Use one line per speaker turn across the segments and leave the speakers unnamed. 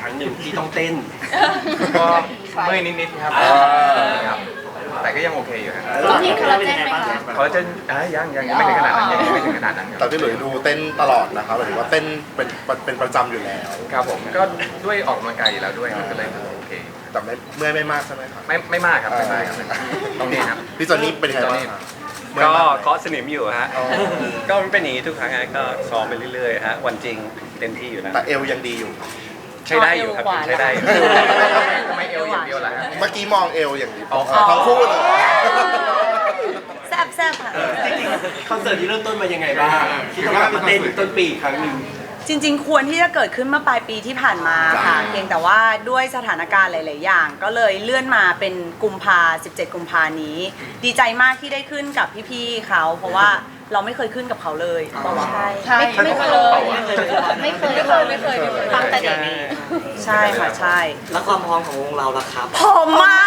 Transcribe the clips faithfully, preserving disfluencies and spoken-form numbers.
รั้งหนึ่งที่ต้องเต้น
ก็เมื่อยนิดๆครับครับแต่ก็ยังโอเคอยู่ครับ
ต้องกินคอลลาเจนไหมคะ
เขาจะอ่ะยังยังยังไม่ถึงขนาดนั้นยังไม่ถึงขนาดนั้นค
แต่
รับ
พี่หลุยส์ดูเต้นตลอดนะครับหมายถึงว่าเต้นเป็นเป็นประจำอยู่แล้ว
ครับผมก็ด้วยออกกำลังกายอยู่แล้วด้วยมันก็เลยโอเค
แต่ไม่เมื่อยไม่มากใช่ไหมครับ
ไม่ไม่มากครับไม่มากครับไม่มากตรงนี้ครับ
พี่จอนนี่เป็นยังไงบ้างครับเมื่อย
ก็
มากไหม
เคาะสนิมอยู่ฮะ
อ๋อ
ก็มันเป็นอย่างนี้ทุกครั้งฮะก็ซ้อมไปเรื่อยๆฮะ วันจริงเต็มที่อยู่แล้ว
แต่เอวยังดีอยู่
ใช้ได้อยู่ครับยังใช้ได้อยู่
ทำไมเอวอย่างเดียวล่ะฮะ
เมื่อกี้มองเอวอย่างดี
อ๋อ
ทั้งคู่เลย
แซ่บแซ่บค่ะ
จริงๆคอนเสิร์ตที่เริ่มต้นมายังไงบ้างที่ต้องกลับมาเต้นต้นปีอีกครั้งหนึ่ง
จริงๆ ควรที่จะเกิดขึ้นเมื่อปลายปีที่ผ่านมาค่ะ เพียงแต่ว่าด้วยสถานการณ์หลาย ๆ อย่าง ก็เลยเลื่อนมาเป็นกุมภาสิบเจ็ดกุมภานี้ ดีใจมากที่ได้ขึ้นกับพี่ๆเขา เพราะว่าเราไม่เคยขึ้นกับเขาเลยบอกว่า
ใช่ไม่เคยไม่เคยไม่เคยไม่เคยตั้งแต่เด็ก
ใช่ค่ะใช่
แล้วความพร้อมของวงเราล่ะครับ
ผมมาก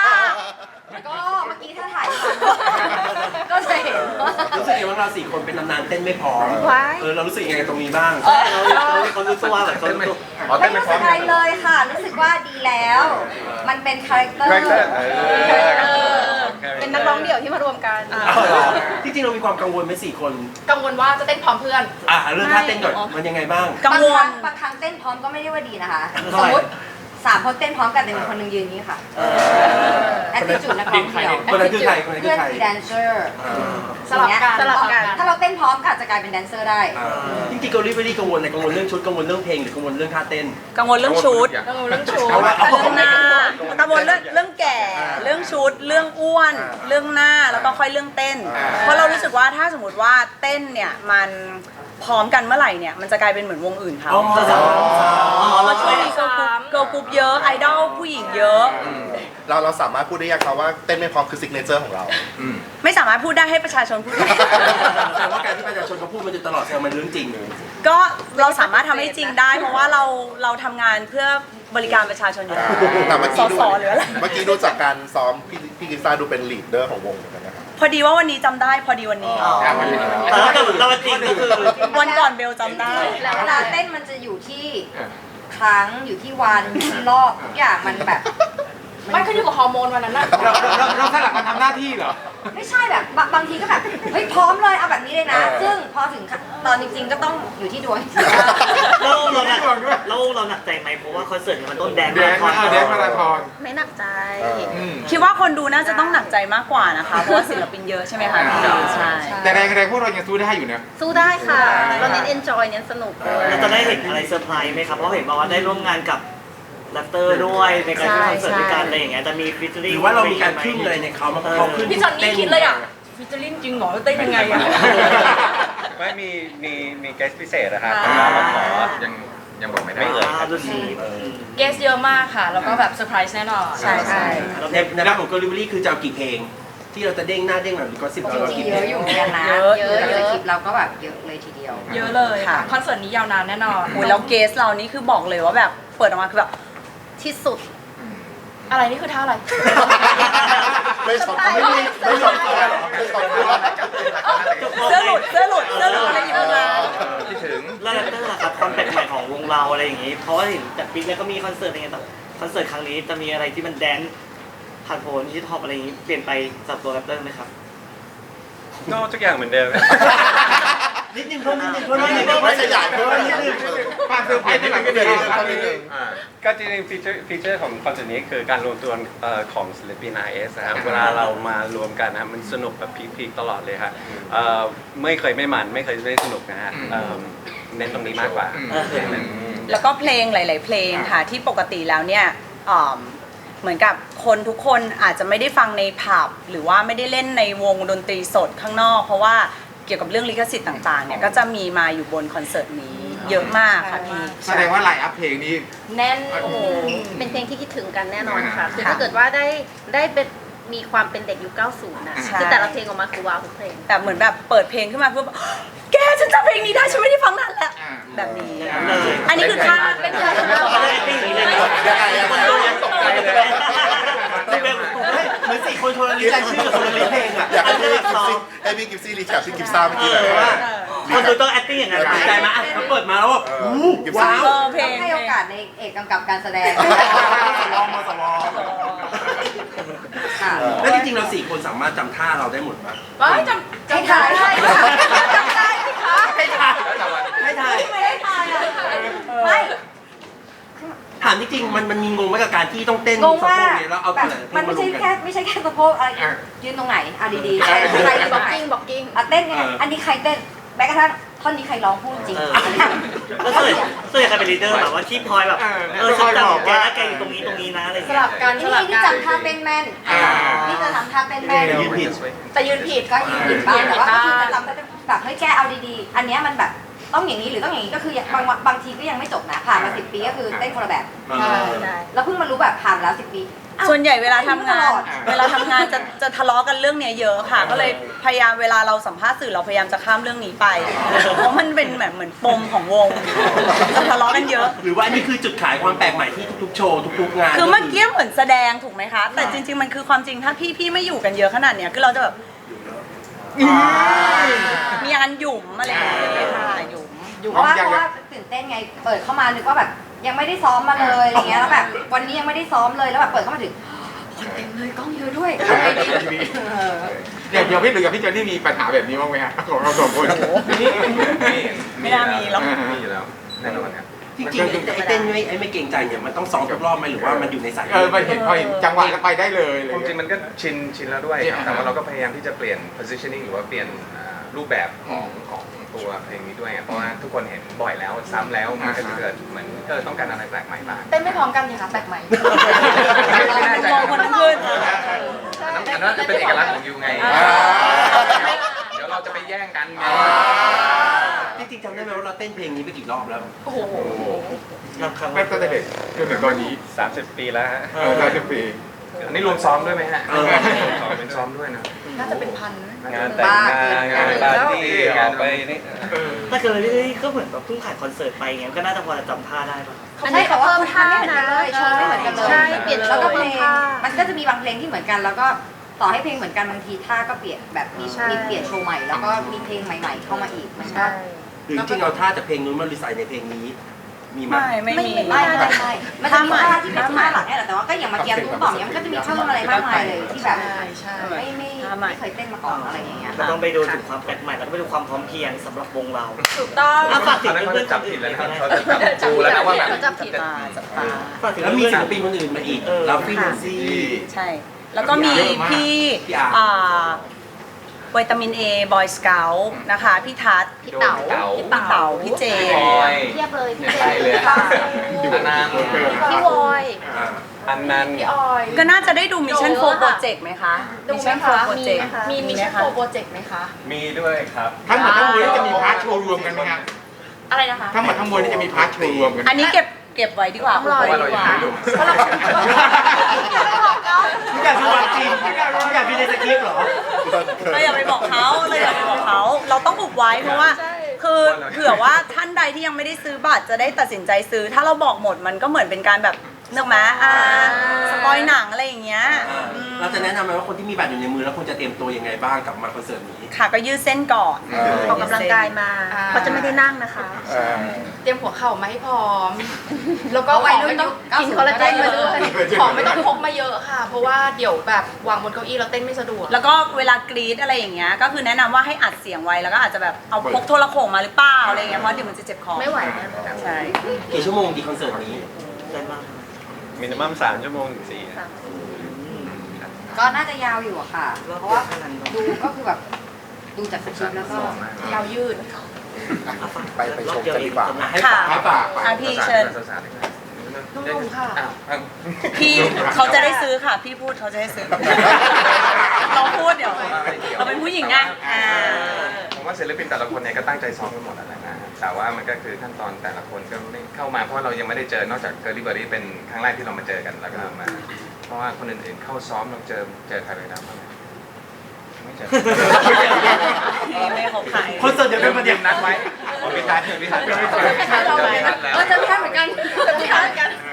ก็เมื่อกี้ถ้าถ่ายก็จะเห็นว่า
รู้สึกยังไงว่าเราสี่คนเป็นตำนานเต้นไม่พร้อมเออเรารู้สึกยังไงตรงนี้บ้าง
เราเราเขารู้ตัวแบบเขา
เต้นไม่
รู้
อ๋อ
ไม่
เต้นไม่
รู้
พร้
สึ
อก ม
อะไรเลยค่ะ รู้สึกว่าดีแล้ว มันเป็นคาแรคเตอร์
คาแรคเตอร์เออ
เป็นนักร้องเดี่ยวที่มารวมกัน
จริงๆเรามีความกังวลไหมสี่คน
กังวลว่าจะเต้นพร้อมเพื่อน
อ่ะเรื่องท่าเต้นก่อนมันยังไงบ้าง
กัง
บาง
ว
ครั้
ล
งบางครั้งเต้นพร้อมก็ไม่ได้ว่าดีนะคะ สมมติสามคนเต้นพร้อมกันแต่มีคนหนึงยืนอย่างนี้ค่ะแอคทีจูดนักร้องเดี่ยว
คนนั้นคือใครคนนั้นคื
เพื่อ
อน ใคร
คือแดนเซอร์
สลับกันสลับกัน
ถ้าเราเต้นพร้อมก็อาจจะกลายเป็นแดนเซอร์ได้
จริงๆเกาหลีไม่ได้กังวลอะไรกังวลเรื่องชุดกังวลเรื่องเพลงหรือกังวลเรื่องท่าเต้น
กังวลเรื่องชุด
กังวลเรื่องชู
เอาละเอา
เรื่องหน้ากังวลเรื่องเรื่องแก่ เรื่องชุด เรื่องอ้วน เรื่องหน้า แล้วก็ค่อยเรื่องเต้น เพราะเรารู้สึกว่าถ้าสมมติว่าเต้นเนี่ยมันพร้อมกันเมื่อไหร่เนี่ยมันจะกลายเป็นเหมือนวงอื่นเขา
อ๋อ
เพราะช่วงนี้เกิร์ลกรุ๊ปเกิร์ลกรุ๊ปเยอะไอดอลผู้หญิงเยอะ
เราเราสามารถพูดได้ยังครับว่าเต้นไม่พร้อมคือซิกเนเจอร์ของเรา
ไม่สามารถพูดได้ให้ประชาชนพูดได้
แต่ว่าการที่ประชาชนเขาพูดมันจะตลอดแสดงมันเรื่องจริงเลย
ก็เราสามารถทำให้จริงได้ เพราะว่าเราเราทำงานเพื่อบริการประชาชนอยู่แล้ว
แต่เมื่อ
ส
กี้ดู
สหรืออะไร
เมื่อกี้ดูจากการซ้อมพี่พี่กิฟซ่าดูเป็นลีดเดอร์ของวงเหมือนกันนะครับ
พอดีว่าวันนี้จำได้พอดีวันนี้
แต่ว่าเราจริงก็คือ
วันก่อนเบลจำได้
แล้วเวลาเต้นมันจะอยู่ที่ครั้งอยู่ที่วันอยู่ที่รอบทุกอย่างมันแบบ
มันขึ้นอยู่กับฮอร์โมนวันนั้นน่ะ
เราเราเราสลับมาทำหน้าที่เหรอ
ไม่ใช่แบบบางบางทีก็แบบเฮ้ยพร้อมเลยเอาแบบนี้เลยนะ ซึ่งพอถึงตอนจริงๆก็ต้องอยู่ที่ดวง
เราเราหนักเราเราหนักใจไหมเพราะว่าคอนเสิร์ตมันต้นแดน
แดนมาแดนมาราธอน
ไม่หนักใจ
อืม
คิดว่าคนดูน่าจะต้องหนักใจมากกว่านะคะ เพราะว่าศิลปินเยอะใช่ไหมคะพี่ใช่
แต่แรงแรงพวกเรายังสู้ได้อยู่นะ
สู้ได้ค่ะ เราเน้นเอนจอยเน้นสนุก
เราจะได้เห็นอะไรเซอร์ไพรส์ไหมครับเพราะเห็นบอกว่าได้ร่วมงานกับแรปเตอร์ด้วยในการขึ้นคอนเสิร์ตด้วยกันอะไรอย่างเงี้ยจะมีฟิชเชอร์
หรือว่าเรามีการพึ่งอะไรในเขามาเขาขึ้น
พี่จอนนี่คิดเลยอ่ะฟิชเจอริงจริงเหรอเต้นยังไงอ่ะ
ไม่มีมีมีแกสพิเศษนะครับ
อ่า
เราขอ
ยังยังบอกไม่ได้
ไม่เอ่ย
อ่าดูสิ
เกสเยอะมากค่ะ แล้วก็แบบเซอร์ไพรส์แน่นอน
ใช่ใช่
ในในด้านของเกาหลีคือจะเอากี่เพลง ที่เราจะเด้งหน้าเด้งหลังหรือก็สิบ
จ
เรา
ริง
กี่
ๆ
เพ
เย
ล
อะ
ง
อยู่เหมือนกันนะ
เยอะ
เยอะเยอะคลิปเราก็แบบเยอะเลยทีเดียว
เยอะเลย
ค่ะ
ค่ะคอนเสิร์ตนี้ยาวนานแน่นอน
โอ้ยแล้วเกสเรานี่คือบอกเลยว่าแบบเปิดออกมาคือแบบที่สุด
อะไรนี่คือท่าอะไร
ไม่ช็อตไม่มีไม่ช็อตไม่ช็อต
เสื้อหลุดเสื้อหลุดเสื้อหลุดอะไรอยู่มา
คิดถึง
แล้วแรปเตอร์ล่ะครับความแปลกใหม่ของวงเราอะไรอย่างงี้ เพราะว่าเห็นจากปิ๊กเนี่ยก็มีคอนเสิร์ตอะไรเงี้ยแต่คอนเสิร์ตครั้งนี้จะมีอะไรที่มันแดนซ์ผ่านโผล่ที่ท็อปอะไรอย่างงี้เปลี่ยนไปสำหรับตัวแรปเตอร์ไหมครับ
ก็ทุกอย่างเหมือนเดิม
นิดนึงเพิ่มนิดนึงเพิ่มนิดนึง
ไม่ขยายเพิ่ม
นิดนึง
ความเซอร์ไพรส์ที่หลังก็ดี
อ่าก็จริงๆฟีเจอร์ฟีเจอร์ของคอนเสิร์ตนี้คือการรวมตัวเอ่อของศิลปิน ไอ เอส นะครับเวลาเรามารวมกันนะครับมันสนุกแบบพีคๆตลอดเลยครับเอ่อไม่เคยไม่มันไม่เคยไม่สนุกนะฮะเอิ่มเน้นตรงนี้มากกว่า
แล้วก็เพลงหลาย ๆ เพลงค่ะที่ปกติแล้วเนี่ยอ่อเหมือนกับคนทุกคนอาจจะไม่ได้ฟังในผับหรือว่าไม่ได้เล่นในวงดนตรีสดข้างนอก เพราะว่าเกี่ยวกับเรื่องลิขสิทธิ์ต่าง ๆ เนี่ยก็จะมีมาอยู่บนคอนเสิร์ตนี้เยอะมากค่ะพี่
แสดงว่าไลน์อัพเพลงนี้
แน่น
โอ้โห
เป็นเพลงที่คิดถึงกันแน่นอนค่ะ คือ
ค่ะ
ถ้าเกิดว่าได้ได้เป็นมีความเป็นเด็กยุคเก้าสิบนะ
ใช่
คือแต่ละเพลงออกมาคือว้าวทุกเพลง
แต่เหมือนแบบเปิดเพลงขึ้นมาเพื่อแบบแกฉันจำเพลงนี้ได้ฉันไม่ได้ฟังนานแล้ว
อ่า
แบบนี้
เลย
อันนี้คือท่าเป็นท่า
ยังไงยังไง
คนดูยังตกใจเลย
เหมือนสี่คนคนละลิสต์รายชื่อกับคนละลิสต์เพลงอ่ะ
อยากให้พี่กิฟซี่ให้พี่กิฟซี่รีแคปที่กิฟซ่าเมื่อกี้เลยว่า
คนดูต้อง acting อย่างนั้น
ดีใจไหมอ่ะเขาเปิดมาแล้วแบบอู้ว้าว
เออเพล
ต้อง งให้โอกาสในเอกกำกับการแสดง
สลองมาสลอง
ค่ะ
แล้วจริงๆเราสี่คนสามารถจำท่าเราได้หมดปะ
ว้ายจำจำได้ได้จำได้สิคะ
ให้ถ่ายให้ถ่าย
ไม่ได้ทายอะไม่
ถามจริงๆมันมันมีงงไหมกับการที่ต้องเต้น
งงว่า
สะโพกเนี่ยแล้วเอา
แบ
แต่
บ
ละเพล
มัน
ง
ไม่
มาล
ใช่
งกั
แค่
น
ไม่ใช่แค่สะโพกอะไรยืนตรงไหนอ่ะดีๆใครใครยืนตรงไหน
บอกกิ้ง
อ่ะเต้นไงอันนี้ใครเต้นแม้กระทั่งท่อนนี้ใครร้องพูดจริง
เออแล้วส่วนส่วนใหญ่ใครเป็นลีดเดอร์แบบว่าที่พลอยแบบเออฉันจำแกนะแกอยู่ตรงนี้ตรงนี้นะอะไรอย่าง
ส
เงี้
ลั
ย
บกันส
นี่
ลับ
นี่
กัน
จำท่าเต้นแม่นนี่จะทำท่าเต้นแม่น
ยืนผิด
แต่ยืนผิด
ก็ยืนผิดบ้างแต่ว่าก็คือจะจำได้แบบเฮ้ยแกเอาดีๆ อันเนี้ยมันแบบต้องอย่างนี้หรือต้องอย่างนี้ก็คือบางบางทีก็ยังไม่จบนะผ่านมาสิบปีก็คือเต้นคนละแบบ
ใช่ใช่
แล้วเพิ่งมารู้แบบผ่านแล้วสิบปีอ้า
ส่วนใหญ่เวลาทำงาน
ตลอด
เวลาทำงานจะจะทะเลาะกันเรื่องเนี้ยเยอะค่ะ ก็เลยพยายามเวลาเราสัมภาษณ์สื่อเราพยายามจะข้ามเรื่องนี้ไป เพราะมันเป็นแบบเหมือนปมของวงจะทะเลาะกันเยอะ
หรือว่าอันนี้คือจุดขายความแปลกใหม่ที่ทุกๆโชว์ทุกๆงาน
คือเมื่อกี้เหมือนแสดงถูกไหมคะ แต่จริง ๆ มันคือความจริงถ้าพี่พี่ไม่อยู่กันเยอะขนาดเนี้ยคือเราจะแบบมีอาการหยุ่มอะไรอย่างเงี้ยค่ะหยุ่ม
เพราะว่าเพราะว่าตื่นเต้นไงเปิดเข้ามานึกว่าแบบยังไม่ได้ซ้อมมาเลยอะไรเงี้ยแล้วแบบวันนี้ยังไม่ได้ซ้อมเลยแล้วแบบเปิดเข้ามาถึงคนเต็มเลยกล้องเยอะด้วยทำไงดีเออ
อย่างเดียวพี่หรือกับพี่เจนนี่มีปัญหาแบบนี้บ้างไหมฮะของเราสองคน
ไม่น่ามีหรอก
มีอยู่แล้วแน่นอนครับ
จริงๆไอ้ไอ้เต้นไม่ไอ้ไม่เกรงใจเนี่ยมันต้องซ้อมทุกรอบไหมหรือว่ามันอยู่ในสาย
เออไปเห็นพอเห็นจังหวะแล้วไปได้เลยอะไร
ความจริ
เงี้
ง
ย
มันก็ชินชินแล้วด้วยครับแต่ว่าเราก็พยายามที่จะเปลี่ยน positioning หรือว่าเปลี่ยนอ่ารูปแบบของของตัวเพลงนี้ด้วยเพราะว่าทุกคนเห็นบ่อยแล้วซ้ำแล้วมันก็จะเกิดเหมือนเออต้องการอะไรแปลกใหม่บ้าง
เต้นไม่พร้อมกันนี่คะแปลกใหม่
ไม่แน่ใจ
มองคนนั้นขึ้น
อันนั้นจะเป็นเอกลักษณ์ของยูไงเดี๋ยวเราจะไปแย่งกันไง
จริงๆจำได้ไหมว่าเราเต้นเพลงนี้ไปกี่รอบแล้ว
โอ้โห
รับคำ
ไม่ตั้งแต่เด็กจนถึงตอนนี้
สามสิบปีแล้วฮะ
เออได้ทุกปี
อันนี้รวมซ้อมด้วยไหมฮะ
เออ
ซ้อมเป็นซ้อมด้วยนะ
น่าจะเป็นพัน
งานแต่งงานงานปาร์ตี้ออกไปนี่
ถ้าเกิดเรื่อยๆก็เหมือนแบบเพิ่งผ่านคอนเสิร์ตไปอย่างเงี้ยก็น่าจะพอจะจำท่าได้ป่ะ
อันนี้เขาเพิ่มท่านะ
โชว์ไม่เหมือนกันเลย
ใช่เปลี่ยนโช
แล้ว
ว์
ก็เพล
เพิ่ม
ง
ท่า
มันก็จะมีบางเพลงที่เหมือนกัน แล้วก็ต่อให้เพลงเหมือนกันบางทีท่าก็เปลี่ยนแบบมี
ใช่
มีเปลี่ยนโชว์ใหม่แล้วก็มีเพลงใหม่ ๆ เข้ามาอีกมันก็
ใช่
หรือจริงๆเอาท่าจากเพลงนู้นมารีไซน์ในเพลงนี้มีไหม
ไม่ไม่มี
ไม่ไม่ไม่มันจะมีท่าที่เป็นท่าหลักเนี่ยแหละแต่ว่าก็อย่างเมื่อกี้ตุ้มต่อมเนี่ยมันก็จะมีเพิ่มอะไรมากมายเลยที่แบบ
ใช่ใช่
ไม่ไม่ไม่เคยเต้นมาก่อนอะไรอย่างเงี้ย
เราต้องไปดูถึงความแปลกใหม่แล้วก็ไปดูความพร้อมเพรียงสำหรับวงเรา
ถูกต้อง
อ่ะฝากถึ
ตอง นนั้นเขา
เพื่อ
จะ
นๆ
จับ
คน
ผิ
อื่
ด
น
แล้ว
ไป
นะครับ
นะ
เขาจะจับดูแล้วนะว่าแบบ
จับผิด
ตาจับตา
ฝากถึง
แล้วมี
เพื่อน
ศิลปินคนอื่นมาอีก
เออ
ลาฟี่แนนซี่
ใช่ แล้วก็มีพี่
พี่อาร์
อ่าวิตามินเอบอยสเกลนะคะ พี่ทัศน์
พี่เต๋า
พี่เต๋าพี่เจ
บอย
เทียบเลย
เนี่
พี่
ย
เจ
ไปเลย
พี่
อันนั้น
พี่วอย
อ่า
อันนั้น
พี่ออย
ก็น่าจะได้ดูมิชชั่น
โด
โฟ
น
โปร
ค่ะ
เจกต์ไหมคะ
ดูไหม
Mission
คะ
Four
มี
Project
มีมิชชั่นโฟโปรเจกต์ไหมคะ
มีด้วยครับ
ทั้งหมดทั้งมวลนี่จะมีพาร์ทโชว์รวมกันไหมฮะ
อะไรนะคะ
ทั้งหมดทั้งมวลนี่จะมีพาร์ทโชว์รวมกัน
อันนี้เก็บเก็บไว้ดีกว่า
ต้องรอ
ไว้
เรา
ดี
ยั
ก
ง
ว่า
ไม่รู้
เพราะเราไม่บอกกัน
ทุกอย่างคือวันจริงทุกอย่างมีในสคริปต์เหรอ
เราอย่าไปบอกเขาเราอย่าไปบอกเขา เราต้องอุบไว้เพราะว่า คือเผื่อว่าท่านใดที่ยังไม่ได้ซื้อบัตรจะได้ตัดสินใจซื้อ ถ้าเราบอกหมดมันก็เหมือนเป็นการแบบเนื้อมาอ่าสปอยหนังอะไรอย่างเงี้ยอืม
เราจะแนะนำไหมว่าคนที่มีบัตรอยู่ในมือแล้วควรจะเตรียมตัวยังไงบ้างกับมาคอนเสิร์ตนี้
ค่ะก็ยืดเส้นก่อน
ออกกำลังกายมาเขาจะไม่ได้นั่งนะคะ
เออ
เตรียมหัวเข่ามาให้พร้อม แล้วก็
เอา
ข
ไว้
อง
รุ่
ไม่
น
ต้อง
เก้า
กิน
สิบ
คอลลาเจนมาด้วย
ก็ได้
ของไม่ต้องพกมาเยอะค่ะ เพราะว่าเดี๋ยวแบบวางบนเก้าอี้แล้วเต้นไม่สะดวก
แล้วก็เวลากรีดอะไรอย่างเงี้ยก็คือแนะนำว่าให้อัดเสียงไว้แล้วก็อาจจะแบบเอาพกโทรโข่งมาหรือเปล่าอะไรอย่างเงี้ยเพราะเดี๋ยวมันจะเจ็บคอ
ไม่ไหวแน่นอน
ใช่
กี่ชั่วโมงดีคอนเสิร์ตนี้
ได้บ้าง
มินิมัมสามชั่วโมงถึงสี่
ก็น่าจะยาวอยู่อะค่ะ เพราะว่าดูก็คือแบบดูจากสคริปต์แล้วก็
ยาวยืด
ไปไปชมกันดีกว่า
ให้
ค่ะ
ฝากให้ฝาก
อ่ะพี่เชิญ
นุ่มๆค่ะ
อ้าวอ้าว
พี่เขาจะได้ซื้อค่ะ พี่พูดเขาจะได้ซื้อ เราพูดเดี๋ยวเราเป็นผู้หญิงไงอ่า
ผมว่าศิลปินแต่ละคนเนี่ยก็ตั้งใจซ้อมกันหมดแล้วนะ แต่ว่ามันก็คือขั้นตอนแต่ละคนก็ไม่เข้ามาเพราะเรายังไม่ได้เจอนอกจากเกอร์ลี่เบอร์รี่เป็นครั้งแรกที่เรามาเจอกันแล้วก็มา เพราะว่าคนอื่นๆเข้าซ้อมเราเจอเจอใครเลยนะบ้างไหมไม่เจอ
ไม่เขาขาย
คอนเสิร์ตเดี๋ยวเป็นประเด็น
นัดไว้อ๋อพี่ทัศน์พี่ทัศน์ไม่เจอ
เราเลยนะเออจะไม่ทันเหมือนกันจะไม่ทันเหมือนกัน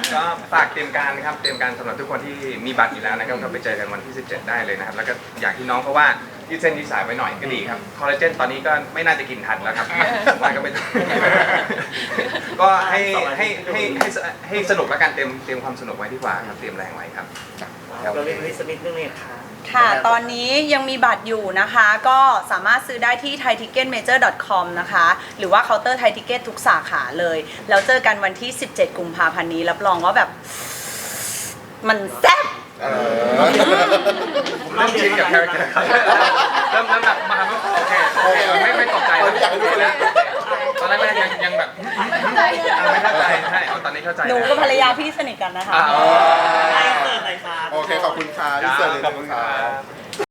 ก็ฝากเตรียมการนะครับเตรียมการสำหรับทุกคนที่มีบัตรอยู่แล้วนะครับก็ไปเจอกันวันที่สิบเจ็ดได้เลยนะครับแล้วก็อย่างที่น้องเขาว่ายืดเส้นยืดสายไว้หน่อยก็ดีครับคอลลาเจนตอนนี้ก็ไม่น่าจะกินทันแล้วครับผมว่าก็ไม่ต้องก็ให้ให้ให้ให้ให้สนุกแล้วกันเตรียมเตรียมความสนุกไว้ดีกว่าครับเตรียมแรงไว้ครับ
เราเรียนวิสมิธนึงเลยค่ะ
ค่ะ ตอนนี้ยังมีบัตรอยู่นะคะ ก็สามารถซื้อได้ที่ ไทยทิกเก็ตเมเจอร์ ดอท คอม นะคะ หรือว่าเคาน์เตอร์ไทยทิกเก็ตทุกสาขาเลย แล้วเจอกันวันที่ สิบเจ็ด กุมภาพันธ์นี้ รับรองว่าแบบ มันแซ่บ
เออ
ผมเริ่มชินกับคาแรคเตอร์ครับเริ่มเริ่มแบบมาโอเคโอเคไม่ไม่ตกใจแล้วตอนแรกยังยังแบบไม่เข้าใจไม่เข้าใจใช่เอาตอนนี้เข้าใจ
หนูกับภรรยาพี่สนิทกันนะคะ
อ่า
ไอเสิร์ตหน่อยค่ะ
โอเค ขอบคุณค่ะที่เสิร์ฟเลย
ขอบคุณค
ค
รั
รับ
บ